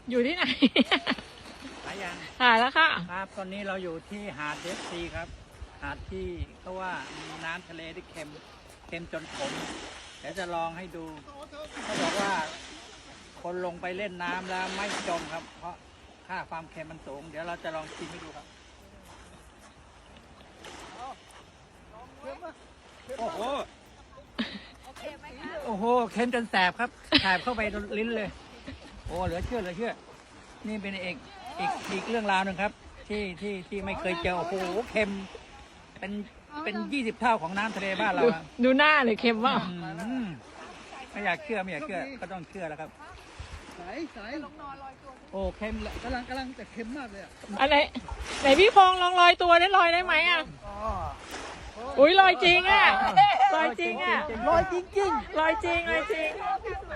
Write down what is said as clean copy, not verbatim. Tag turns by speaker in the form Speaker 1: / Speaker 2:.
Speaker 1: อยู่ที่ไหน
Speaker 2: หายัง
Speaker 1: หาแล้วค่ะ
Speaker 2: ครับตอนนี้เราอยู่ที่หาดเดฟซีครับ หาดที่เขาว่ามีน้ำทะเลที่เค็มจนขมเดี๋ยวจะลองให้ดูเขาบอกว่า คนลงไปเล่นน้ำแล้วไม่จมครับ เพราะค่าความเค็มมันสูง เดี๋ยวเราจะลองชิมให้ดูครับโอ้โหโอ้โหเค็มจนแสบครับแสบเข้าไปลิ้นเลย โอ้เหลือเชื่อเหลือเชื่อ นี่เป็นอีกเรื่องราวหนึ่งครับ ที่ไม่เคยเจอโอ้โหเค็มเป็น20 เท่าของน้ำทะเลบ้านเราอะ
Speaker 1: ดูหน้าเลยเค็มว่า
Speaker 2: อืมไม่อยากเชื่อก็ต้องเชื่อแล้วครับ
Speaker 3: ใส
Speaker 2: โอ้เค็มเลย
Speaker 3: กำลังแต่เค็มมากเลยอ่ะ
Speaker 1: อะไรไหนพี่พงษ์ลองลอยตัวได้ลอยได้ไหมอ่ะอุ้ยลอยจริงอ่ะลอยจริงอ่ะ
Speaker 3: ลอยจริง
Speaker 1: ลอยจริงลอยจริง